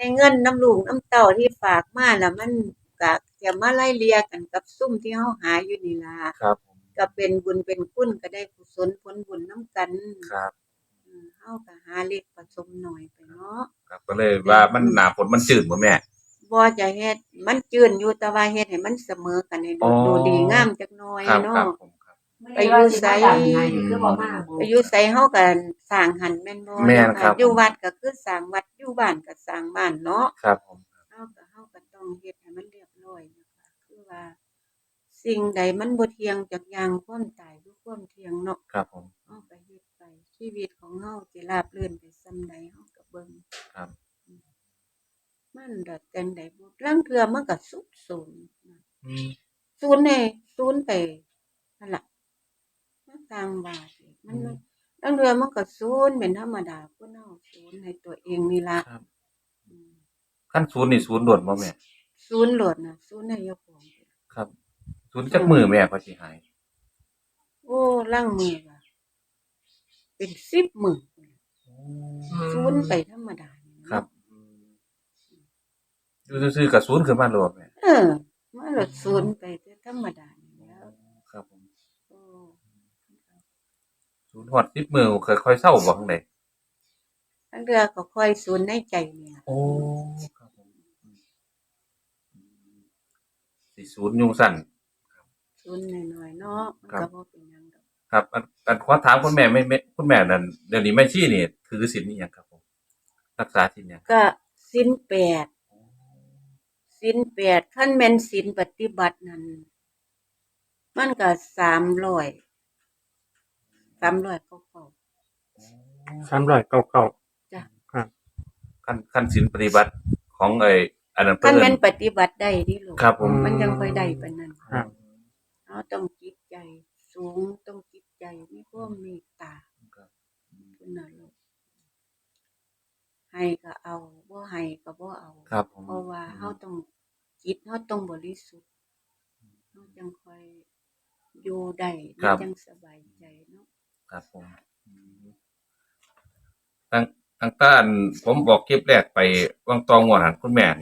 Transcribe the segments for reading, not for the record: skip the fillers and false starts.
ในเงินน้ำลูกน้ำเต้าที่ฝากมาล่ะมันก็จะมาไล่เลี่ยกันกับซุมที่เฮาหาอยู่นี่ล่ะครับผมก็เป็นบุญเป็นคุณก็ได้กุศลผลบุญนำกันครับเฮาก็หาเลขผสมน้อยไปเนาะครับก็เลยว่ามันหน้าฝนมันจืดบ่แม่บ่จะเฮ็ดมันจืนอยู่แต่ว่าเฮ็ดให้มันเสมอกันให้อ๋อดูดีงามจักหน่อยครับครัเนาะบผมครับไปอยู่ไสคือบ่มาไปอยู่ไสเฮาก็สร้างหั้นแม่นบ่แม่นคเนาะค่ะรับอยู่วัดก็คือสร้างวัดอยู่บ้านก็สร้างบ้านเนาะครับผมเฮาก็ต้องเฮ็ดให้มันเรียบร้อยนะคะคือว่าสิ่งใดมันบ่เที่ยงจักอย่างความตายคือความเที่ยงเนาะครับผมเฮาก็เฮ็ดไปชีวิตของเฮาสิราบรื่นไปส่ำใดเฮาก็เบิ่งครับมันดอกจังใดบ่ลางเทื่อมันก็สุดโทรมอืมศูนย์ให้ศูนย์ไปนั่นล่ะมันต่างว่าสิมันลางเทื่อมันก็ศูนย์เป็นธรรมดาคนเฮาศูนย์ให้ตัวเองนี่ล่ะครับอืมคันศูนย์นี่ศูนย์โดดบ่แม่ศูนย์โลดน่ะศูนย์ให้เจ้าของครับศูนย์จักมื้อแม่ก็สิหายโอ้ลางมื้อก็เป็น10มื้อพู้นล่ะศูนย์ไปธรรมดานี่ครัเนาะบอยู่ซื่อๆก็ศูนย์ขึ้นมาโลดแม่เออมันโลดศูนย์ไปแต่ธรรมดานี่แหล้วครับผมโอ้ศูนย์ฮอด10มื้อค่อยๆเซาบ่จั่งใดลางเทื่อก็ค่อยศูนย์ในใจนี่ล่ะโอ้ครับผมสิศูนย์ยุงสั่นศูนย์น้อยๆเนาะมันครับก็บ่เป็นหยังดอกครับอันขอถามคุณแม่ไม่คุณแม่นั่นเดี๋ยวนี้แม่ชีนี่ถือศีลอิหยังครับผมรักษาศีลหยังก็ศีล8ศีล8คันแม่นศีลปฏิบัตินั่นมันก็300กว่า 399 จ้ะครับขั้นศีลปฏิบัติของอันนั้นคัเพิ่นนแม่นปฏิบัติได้เด้ลูกครับผมมันจังค่อยได้ปานนั้นครับเราต้องจิตใจสูงต้องจิตใจมีความเมตตาครับพุ่นน่ะลูกให้ก็เอาบ่ให้ก็บ่เอาครับผมเพราะว่าเราต้องจิตเราต้องบริสุทธิ์เราจังค่อยอยู่ได้มันจังสบายใจเนาะครับผมตั้งตั้งแต่อันผมบอกคลิปแรกไปวังตองวดหั่นคุณแม่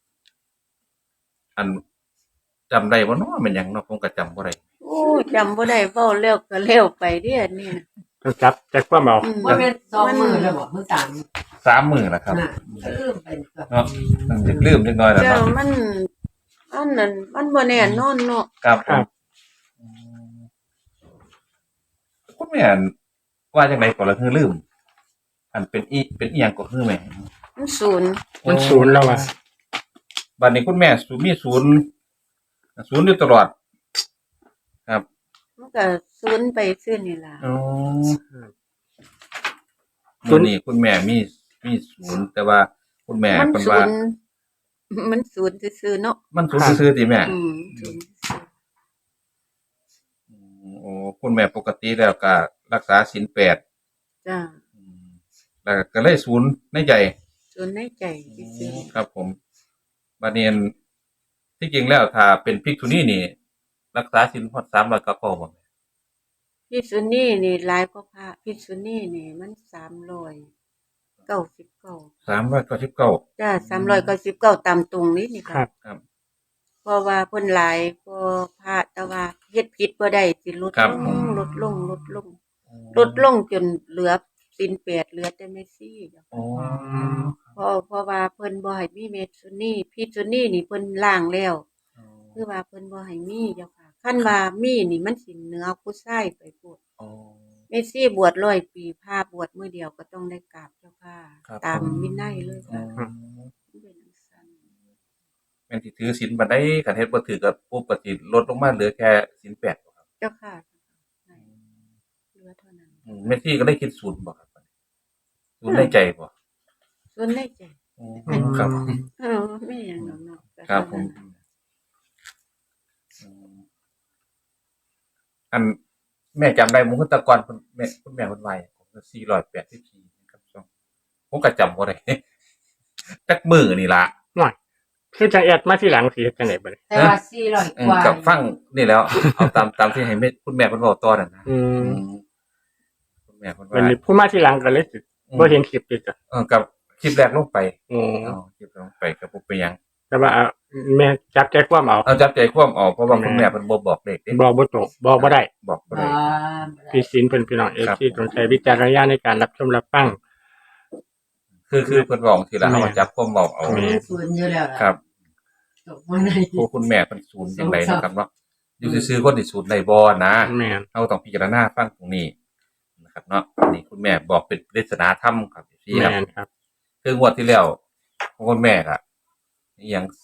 อันจำได้บ่เนาะแม่นหยังเนาะผมก็จำบ่ได้โอ้จำบ่ได้เว้าแล้วก็แล้วไปเด้ออันนี้น่ะต้องจักความเอาว่าเป็น2มื้อแล้วบ่มื้อ 3มื้อแล้วครับน่ะลืมไปเนาะมันจะลืมจักหน่อยแล้วแล้วเนาะมันอันนั้นมันบ่แน่นอนเนาะครับผมคุณแม่นว่าจังได๋ก็ละคือลืมอันเป็นเป็นอิหยังก็คือแม่มันศูนย์มันศูนย์แล้วอ่ะบัดนี้คุณแม่มีศูนย์อยู่ตลอดครับมันก็ศูนย์ไปซื่อนี่ล่ะอ๋อมื้อนี้คุณแม่มีศูนย์แต่ว่าคุณแม่มันเพิ่นศูว่านย์มันศูนย์ซื่อๆเนาะมันศูนย์ซื่อๆติแม่ศูนย์ซื่อโอ้คุณแม่ปกติแล้วก็รักษาศีล8 จ้ะแล้วก็เลยศูนย์ในใจศูนย์ในใจซื่อครับผมบัดนี้ที่จริงแล้วถ้าเป็นภิกษุณีนี่รักษาศีลฮอด300ก็พอบ่ภิกษุณีนี่หลายกว่าพระภิกษุณีนี่มัน399 399 จ้ะ399ตามตรงนี้นี่คค่ะรับครับเพราะว่าเพิ่นหลายกว่าพระแต่ว่าเฮ็ดผิดบ่ได้สิลดลงจนเหลือศีล8เหลือแต่แม่ชีเจ้าอ๋อเพราะว่าเพิ่นบ่ให้มีเมสุนีภิกษุณีนี่เพิ่นล้างแล้วคือว่าเพิ่นบ่ให้มีเจ้าค่ะคันว่ามีนี่มันสิเหนือผู้ชายไปโพดอ๋อแม่ชีบวช100ปีพระบวชมื้อเดียวก็ต้องได้กราบเจ้าค่ะตามวินัยเลยค่ะเป็นจังซั่นแม่นสิถือศีลบัดใดคันเฮ็ดบ่ถือก็ปุ๊บก็สิลดลงมาเหลือแค่ศีล8บ่ครับเจ้าค่ะเหลือเท่านั้นแม่ชีก็เลยคิดศูนย์บ่ครับบัดนี้ศูนย์ในใจบ่ส่วนในใจอ๋อครับมีหยังดอกเนาะครับผมอันแม่จำได้มื้อแตะก่อนคุณแม่เพิ่นว่าผมก็484ครับผมก็จำบ่ได้จักมื้อนี่ล่ะน้อยคือจังแอดมาทีหลังสิเฮ็ดจังได๋บัดนี้แต่ว่า400กว่ากับฟังนี่แล้วเอาตามที่ให้แม่คุณแม่เพิ่นเว้าต่อนั่นนะคุณแม่เพิ่นบัดว่านี้ผู้มาทีหลังก็เลยสิบ่เห็นคลิปอีกอ่ะกับคลิปแรกลงไปอ๋อคลิปแรกไปหยังแต่ว่าแม่จับใจความเอาเอาจับใจความออกเพราะว่าคุณแม่เพิ่นบ่บอกเลขเด้บอกบ่ตรงบอกบ่ได้บอกบ่บ่ได้พี่สินเพิ่นพี่น้องครับ FC ต้องใช้วิจารณญาณในการรับชมรับฟังคือเพิ่นบอกทีละแม่เฮาจับความบอกเอาแม่ศูนย์อยู่แล้วล่ะครับตกมาในพวกคุณแม่เพิ่นศูนย์จังไดเนาะครับเนาะอยู่ซื่อๆคนที่ศูนย์ได้บ่นะแม่นเราต้องพิจารณาฟังตรงนี้นะครับเนาะนี่คุณแม่บอกเป็นปริศนาธรรมครับพี่คแม่รับนครับคืองวดที่แล้วของคุณแม่อะอหย่าง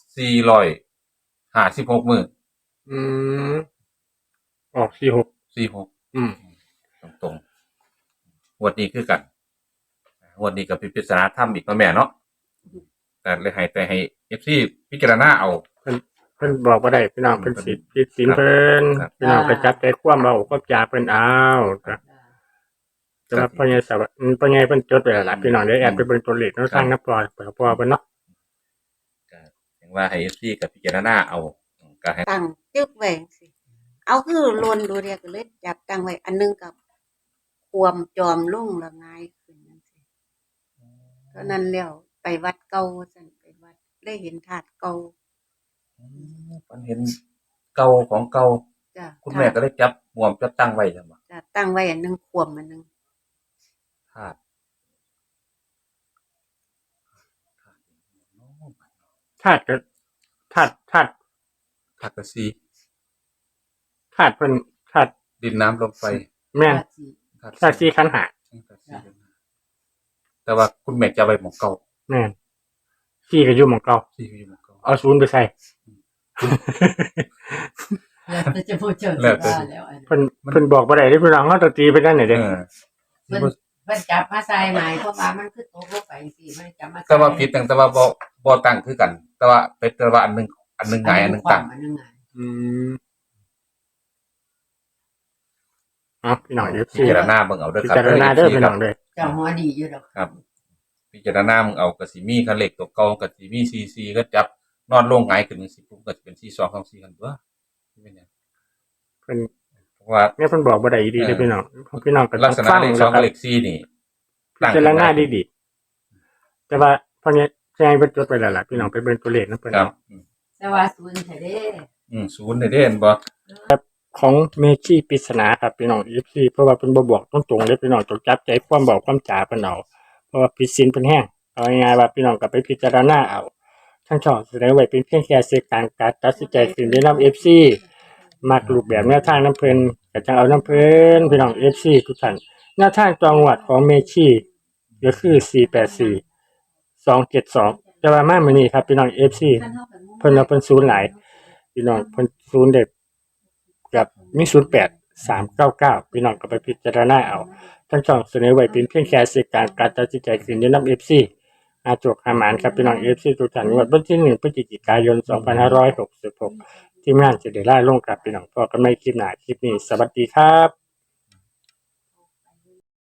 456มื้ออืมออก46 46 อืมตรงๆงวดนี้คือกันงวดนี้ก็เป็นปริศนาธรรมอีกเนาะแม่เนาะแต่เลยให้ FC พิจารณาเอาเพิ่นบอกบ่ได้พี่น้องเพิ่นสิพี่สินเพิ่นครับพี่น้องก็จับใจความเอาความจาเพิ่นเอาจ้ะสำหรับพ่อใหญ่สวัสดิ์พ่อใหญ่เพิ่นจดไว้แล้วล่ะพี่น้องได้แอดไปเบิ่งตัวเลขเนาะทางนับพอเพิ่นเนาะก็อย่างว่าให้ FC กับพิจารณาเอาก็ให้ตั้งจึกไว้จังซี่เอาคือลนดูเรียก็เลยจับตั้งไว้อันหนึงกับความจอมลงละงายขึ้นจังซี่เท่านั้นแล้วไปวัดเก่าซั่นไปวัดได้เห็นธาตุเก่ามันเห็นเก่าของเก่าจ้ะคุณแม่ก็ได้จับห่วมจับตั้งไว้จังบ่จ้ะตั้งไว้อันหนึงขวมอันหนึงธาตุธาตุก็ธาตุธาตุกระซีธาตุเพิ่นธาตุดินน้ำลมไฟแม่นธาตุธาตุสี่ขันธ์ห้าธาตุสี่แต่ว่าคุณแม่จะเอาไว้หมองเก่าแม่นสี่ก็อยู่หม้องเก่าสี่อยู่หมองเก่าเอาศูนย์ไปใส่แล้วแต่จะพูดเจอแล้วแต่ว่าแล้วอันเพิ่นบอกบ่ได้เด้พี่น้องเฮาต้องตีไปนั่นน่ะเอเด้อเพิ่นจับมาใส่ไหมเพราะว่ามันคือตกลงไปสิมันจับมาใส่แต่ว่าผิดตั้งแต่ว่าบ่ตั้งคือกัน แต่ว่าเป็นแต่ว่าอันหนึงหงายอันหนึงตั้งอันหนึงหงายอืมอ๋อพี่น้อง FC พิจารณาเบิ่งเอาเด้อพิครับจารณาเด้อพี่น้องเด้อเจ้าหัวดีอยู่ดอกครับ พิจารณามึงเอาก็สิมีคันเลขตัวเก่าก็สิมี44ก็จับนอนลงหงายขึ้นจังซี่ปุ๊บก็สิเป็น42 24กันตัวเป็นหยังเพิ่นเพราะว่าแม่เพิ่นบอกบ่ได้ดีเด้อพี่น้องพี่น้องก็ต้ลัอก งษณะฟังเลขแล้ว 2 ก็กับเลข4นี่พิจารณาดีๆแต่ว่าพ่อใหญ่เพิ่นจดไว้แล้วล่ะพี่น้องไปเบิ่งตัวเลขนำเพิ่นครับเนาะแต่ว่าศูนย์แท้เด้ศูนย์ได้เห็นบ่ของเมจิปริศนาครับพี่น้อง FC เพราะว่าเพิ่นบ่บอกตรงๆเลยพี่น้องต้องจับใจความบอกความจาเพิ่นเอาเพราะว่าผิดศีลเพิ่นแห้งเอาง่ายๆว่าพี่น้องก็ไปพิจารณาเอาทั้งช่องแสดงไว้เป็นเพียงแค่สื่อกลางการตัดสินใจขึ้นได้นำ FC มักรูปแบบแนวทางน้ำเพิ่นก็จังเอาน้ำเพิ่นพี่น้อง FC ทุกท่านแนวทางจังหวัดของเมจิก็คือ484 272แต่ว่ามามื้อนี้ครับพี่น้อง FC เพิ่นเอาเพิ่นศูนย์หลายพี่น้องเพิ่นศูนย์เด็ดกับมี08 399พี่น้องก็ไปพิจารณาเอาทั้งช่องเสนอไว้เป็นเพียงแค่สื่อกลางการตัดสินใจขึ้นได้นำ FC อาจกหาหมานครับพี่น้อง FC ทุกท่านงวดวันที่1พฤศจิกายน2566ทีมงานจะได้ล่าลงกับพี่น้องพอกันใหม่คลิปหน้าคลิปนี้สวัสดีครับ